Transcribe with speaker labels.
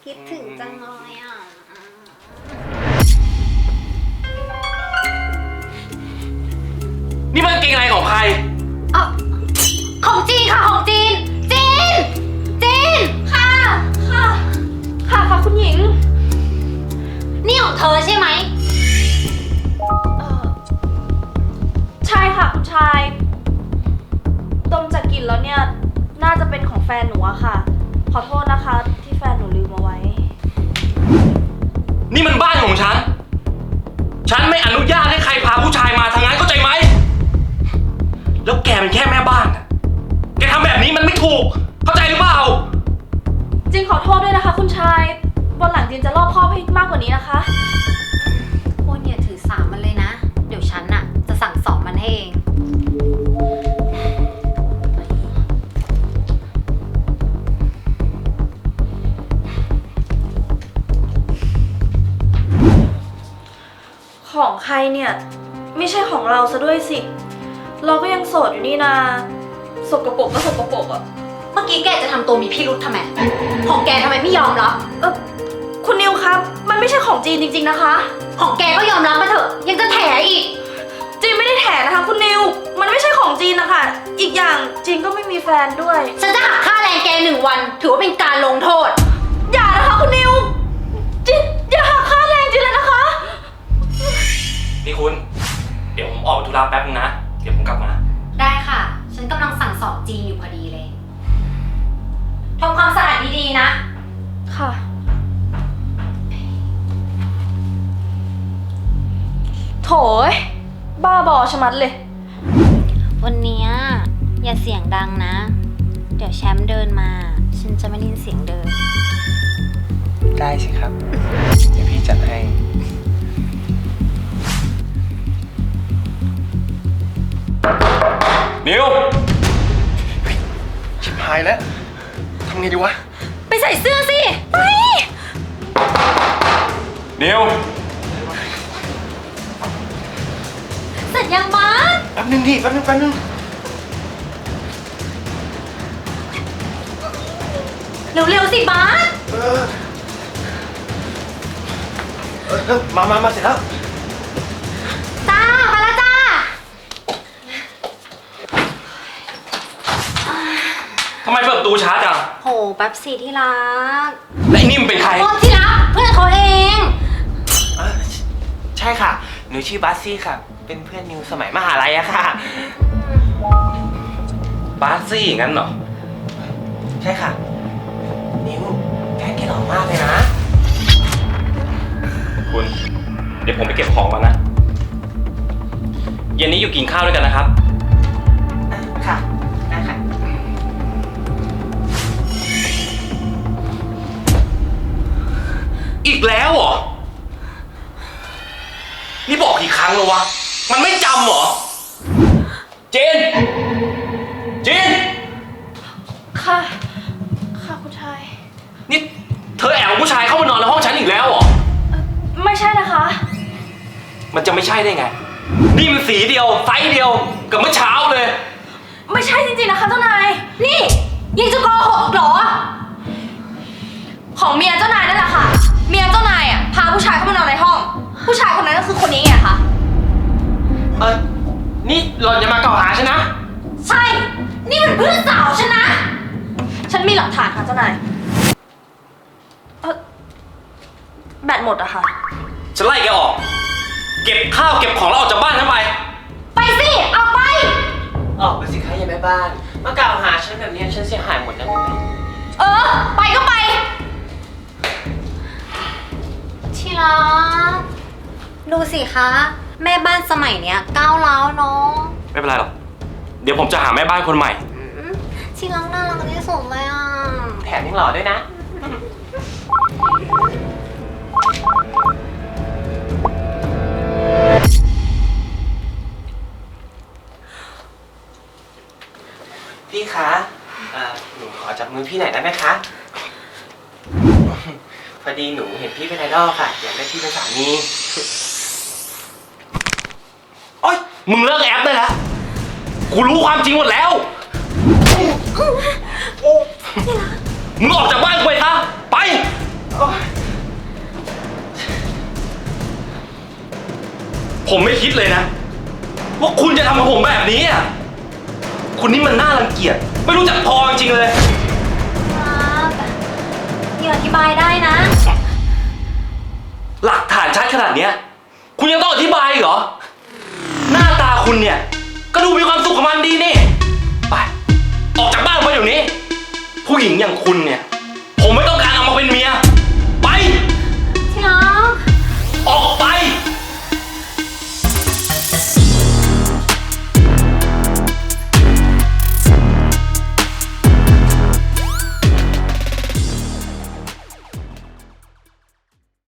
Speaker 1: คิดถึงจังเลยอ่ะ
Speaker 2: นี่มันกางเกงในของใคร
Speaker 1: ของจีนค่ะของจีนจีนค่ะคุณหญิงนี่ของเธอใช่ไหม
Speaker 3: ใช่ค่ะคุณชายดมจากกลิ่นแล้วเนี่ยน่าจะเป็นของแฟนหนูอะค่ะขอโทษนะคะที่แฟนหนูลืมเอาไว้
Speaker 2: นี่มันบ้านของฉันไม่อนุญาตให้ใครพาผู้ชายมาทางนั้นเข้าใจไหมแล้วแกเป็นแค่แม่บ้านแกทำแบบนี้มันไม่ถูกเข้าใจหรือเปล่า
Speaker 3: จริงขอโทษด้วยนะคะคุณชายวันหลังจินจะรอบคอบให้มากกว่านี้นะคะ
Speaker 1: พวกเนี่ยถือสามันเลยนะเดี๋ยวฉันน่ะจะสั่งสอนมันให้เอง
Speaker 3: ของใครเนี่ยไม่ใช่ของเราซะด้วยสิเราก็ยังโสดอยู่นี่นาสกปรกก็สกปรกอ่ะ
Speaker 1: เมื่อกี้แกจะทำตัวมีพิรุธทำไมของแกทำไมไม่ยอมรับ
Speaker 3: คุณนิวครับมันไม่ใช่ของจีนจริงๆนะคะ
Speaker 1: ของแกก็ยอมรับมาเถอะยังจะแถอีก
Speaker 3: จีนไม่ได้แถนะคะคุณนิวมันไม่ใช่ของจีนนะคะอีกอย่างจีนก็ไม่มีแฟนด้วย
Speaker 1: ฉันจะหักค่าแรงแก1 วันถือว่าเป็นการลงโทษ
Speaker 3: อย่านะคะคุณนิวจีนอย่าหักค่าแรงจีนเลยนะคะ
Speaker 2: นี่คุณเดี๋ยวผมออกไปธุระแป๊บนึงนะเดี๋ยวผมกลับมา
Speaker 1: ได้ค่ะฉันกำลังสั่งสอนจีนอยู่พอดีเลยทำความสะอาดดีๆนะ
Speaker 3: ค่ะโถยบ้าบอชะมัดเลย
Speaker 1: วันนี้อย่าเสียงดังนะเดี๋ยวแชมป์เดินมาฉันจะไม่ได้ยินเสียงเดิน
Speaker 4: ได้สิครับเดี๋ยวพี่จัดให้
Speaker 2: นิว
Speaker 4: ชิบหายแล้วทำไงดีวะ
Speaker 1: ไปใส่เสื้อสิไป
Speaker 2: นิว
Speaker 1: เสร็จยังบ้าส
Speaker 4: แป๊บนึงดิแป๊บนึง
Speaker 1: เร็วๆสิบ้าส
Speaker 4: มาเสร็จแล้ว
Speaker 1: จ้ามาแล้วจ้า
Speaker 2: ทำไมเปิดประตูช้าจัง
Speaker 1: โหแป๊บสิที่รัก
Speaker 2: และไอ้นี่มันเป็นใคร
Speaker 1: ที่รักเพื่อนเขาเอง
Speaker 4: ใช่ค่ะหนูชื่อบัสซี่ค่ะเป็นเพื่อนนิวสมัยมหาลัยอะค่ะ
Speaker 2: บาสซี่งั้นเหรอ
Speaker 4: ใช่ค่ะนิวแฟนแกหล่อมากเลยนะ
Speaker 2: คุณเดี๋ยวผมไปเก็บของก่อนนะเย็นนี้อยู่กินข้าวด้วยกันนะครับ
Speaker 4: ค่ะได้ค่ะ
Speaker 2: อีกแล้วเหรอนี่บอกกี่ครั้งแล้ววะมันไม่จำเหรอเจน
Speaker 3: ค่ะคุณชาย
Speaker 2: นี่เธอแอบผู้ชายเข้ามานอนในห้องฉันอีกแล้วเหรอ
Speaker 3: ไม่ใช่นะคะ
Speaker 2: มันจะไม่ใช่ได้ไงนี่มันสีเดียวไซส์เดียวกับเมื่อเช้าเลย
Speaker 3: ไม่ใช่จริงๆนะคะเจ้านาย
Speaker 1: นี่ยังจะโกหกเหรอ
Speaker 3: ของเมียเจ้านายนั่นแหละค่ะเมียเจ้านายพาผู้ชายเข้ามานอนในห้องผู้ชายคนนั้นก็คือคนนี้ไงคะ
Speaker 4: นี่หล่อนจะมากล่าวหาฉันนะ
Speaker 1: ใช่นี่มันเพื่อนสาวฉันนะ
Speaker 3: ฉันมีหลักฐานค่ะเจ้านายแบตหมดอะค่ะ
Speaker 2: ฉันไล่แกออกเก็บข้าวเก็บของแล้วออกจากบ้านฉันไป
Speaker 1: ไปสิเอาไป
Speaker 4: ออกไปสิคะยายแม่บ้านมากล่าวหาฉันแบบนี้ฉันเสียหายหมดนะคุณ
Speaker 1: ไปก็ไปที่รักดูสิคะแม่บ้านสมัยเนี้ยก้าวร้าวเนาะ
Speaker 2: ไม่เป็นไรหรอกเดี๋ยวผมจะหาแม่บ้านคนใหม่
Speaker 1: ที่รักน่ารักที่สุดเลย
Speaker 4: แถมยังหล่อด้วยนะพี่คะหนูขอจับมือพี่หน่อยได้ไหมคะพอดีหนูเห็นพี่เป็นไอดอลค่ะอยากได้พี่เป็นสามี
Speaker 2: โอ๊ยมึงเลิกแอปได้แล้วกูรู้ความจริงหมดแล้วมึงออกจากบ้านกูไปซะไปผมไม่คิดเลยนะว่าคุณจะทำกับผมแบบนี้อ่ะคุณนี่มันน่ารังเกียจไม่รู้จักพอจริงๆเลย
Speaker 1: ครับเดี๋ยวอธิบายได้นะ
Speaker 2: หลักฐานชัดขนาดเนี้ยคุณยังต้องอธิบายอีกเหรอ หน้าตาคุณเนี่ย ก็ดูมีความสุขกับมันดีนี่ ไป ออกจากบ้านไปเดี๋ยวนี้ ผู้หญิงอย่างคุณเนี่ย